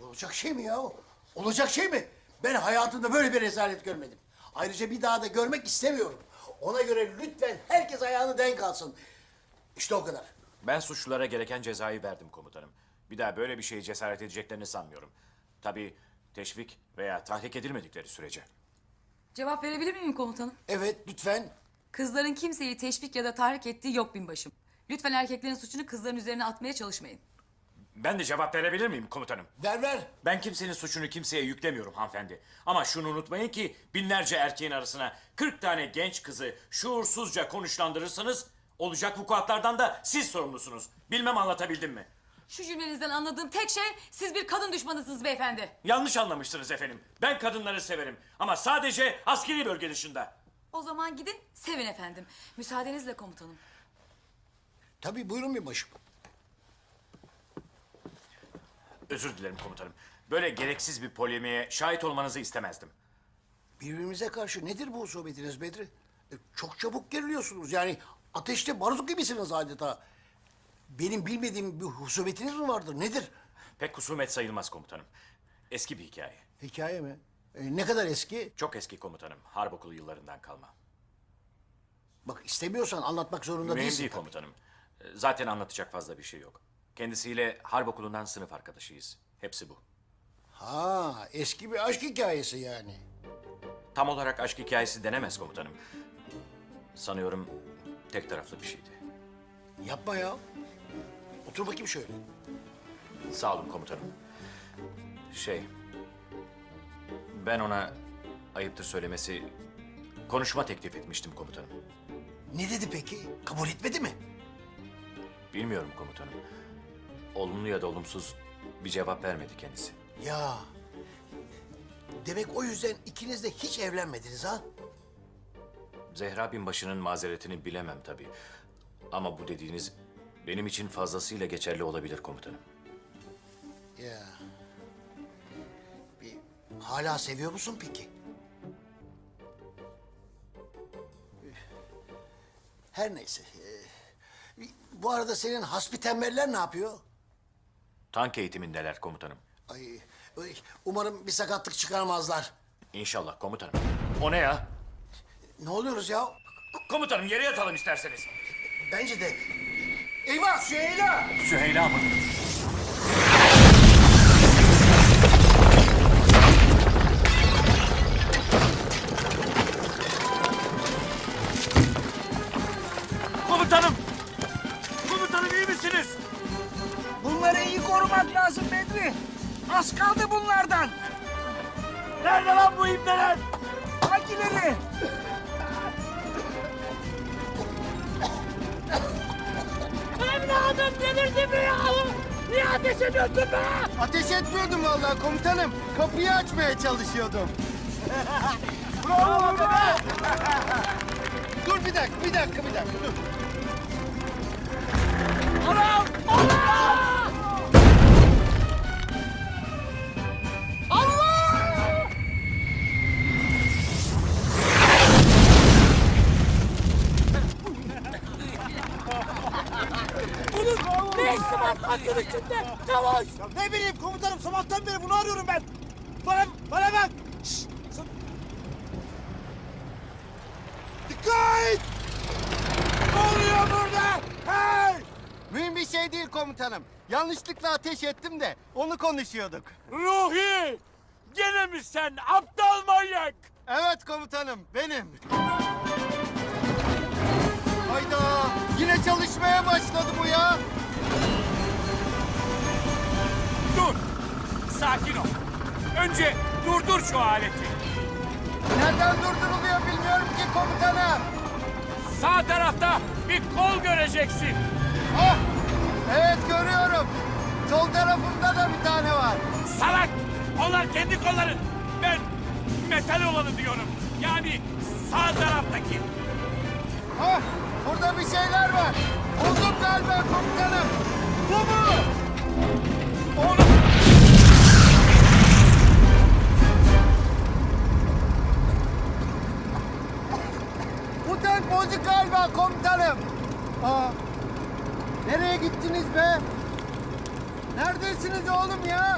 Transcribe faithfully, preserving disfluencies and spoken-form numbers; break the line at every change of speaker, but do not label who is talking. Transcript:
Olacak şey mi ya? Olacak şey mi? Ben hayatımda böyle bir rezalet görmedim. Ayrıca bir daha da görmek istemiyorum. Ona göre lütfen herkes ayağını denk alsın. İşte o kadar.
Ben suçlulara gereken cezayı verdim komutanım. Bir daha böyle bir şeye cesaret edeceklerini sanmıyorum. Tabii teşvik veya tahrik edilmedikleri sürece.
Cevap verebilir miyim komutanım?
Evet, lütfen.
Kızların kimseyi teşvik ya da tahrik ettiği yok binbaşım. Lütfen erkeklerin suçunu kızların üzerine atmaya çalışmayın.
Ben de cevap verebilir miyim komutanım?
Ver ver.
Ben kimsenin suçunu kimseye yüklemiyorum hanımefendi. Ama şunu unutmayın ki binlerce erkeğin arasına kırk tane genç kızı şuursuzca konuşlandırırsanız olacak vukuatlardan da siz sorumlusunuz. Bilmem anlatabildim mi?
Şu cümlenizden anladığım tek şey siz bir kadın düşmanısınız beyefendi.
Yanlış anlamışsınız efendim. Ben kadınları severim ama sadece askeri bölge dışında.
O zaman gidin sevin efendim. Müsaadenizle komutanım.
Tabii buyurun bir başım.
Özür dilerim komutanım. Böyle gereksiz bir polemiğe şahit olmanızı istemezdim.
Birbirimize karşı nedir bu husumetiniz Bedri? E, çok çabuk geriliyorsunuz. Yani ateşte barut gibisiniz adeta. Benim bilmediğim bir husumetiniz mi vardır? Nedir?
Pek husumet sayılmaz komutanım. Eski bir hikaye.
Hikaye mi? E, ne kadar eski?
Çok eski komutanım. Harp okulu yıllarından kalma.
Bak istemiyorsan anlatmak zorunda
Mühim
değilsin.
değil
tabii.
komutanım. Ee, Zaten anlatacak fazla bir şey yok. Kendisiyle harp okulundan sınıf arkadaşıyız. Hepsi bu.
Ha, eski bir aşk hikayesi yani.
Tam olarak aşk hikayesi denemez komutanım. Sanıyorum tek taraflı bir şeydi.
Yapma ya. Otur bakayım şöyle.
Sağ olun komutanım. Şey... Ben ona ayıptır söylemesi konuşma teklif etmiştim komutanım.
Ne dedi peki? Kabul etmedi mi?
Bilmiyorum komutanım. Olumlu ya da olumsuz bir cevap vermedi kendisi.
Ya. Demek o yüzden ikiniz de hiç evlenmediniz ha?
Zehra binbaşının mazeretini bilemem tabii. Ama bu dediğiniz benim için fazlasıyla geçerli olabilir komutanım.
Ya. Bir, hala seviyor musun peki? Her neyse. Ee, bu arada senin hasbi tembeller ne yapıyor?
Tank eğitimindeler komutanım.
Ay, ay, umarım bir sakatlık çıkarmazlar.
İnşallah komutanım. O ne ya?
Ne oluyoruz ya?
Komutanım yere yatalım isterseniz.
Bence de. Eyvah Süheyla!
Süheyla mı? Komutanım! Komutanım iyi misiniz?
Bunları iyi korumak lazım Bedri. Az kaldı bunlardan.
Nerede lan bu ibneler?
Hangileri?
Evladım delirdi mi ya? Niye ateş ediyorsun be?
Ateş etmiyordum vallahi komutanım. Kapıyı açmaya çalışıyordum.
Bravo be!
Dur bir dakika, bir dakika, bir dakika. Dur.
Anam! Allah! Allah! Bunun ne işi var tankın içinde? Çavuş!
Ne bileyim komutanım sabahtan beri bunu arıyorum ben. Bana, bana bak. Şşş! Sa- Dikkat! Ne oluyor burada? Hey!
Mühim bir şey değil komutanım. Yanlışlıkla ateş ettim de onu konuşuyorduk.
Ruhi! Gene mi sen aptal manyak?
Evet komutanım, benim. Hayda! Yine çalışmaya başladı bu ya.
Dur! Sakin ol. Önce durdur şu aleti.
Nereden durduruluyor bilmiyorum ki komutanım.
Sağ tarafta bir kol göreceksin.
Ah! Evet görüyorum. Sol tarafında da bir tane var.
Salak! Onlar kendi kolların. Ben metal olanı diyorum. Yani sağ taraftaki.
Ah! Burada bir şeyler var. Buldum galiba komutanım.
Bu mu? Onu...
Bu tank bozuk galiba komutanım. Aa, nereye gittiniz be? Neredesiniz oğlum ya?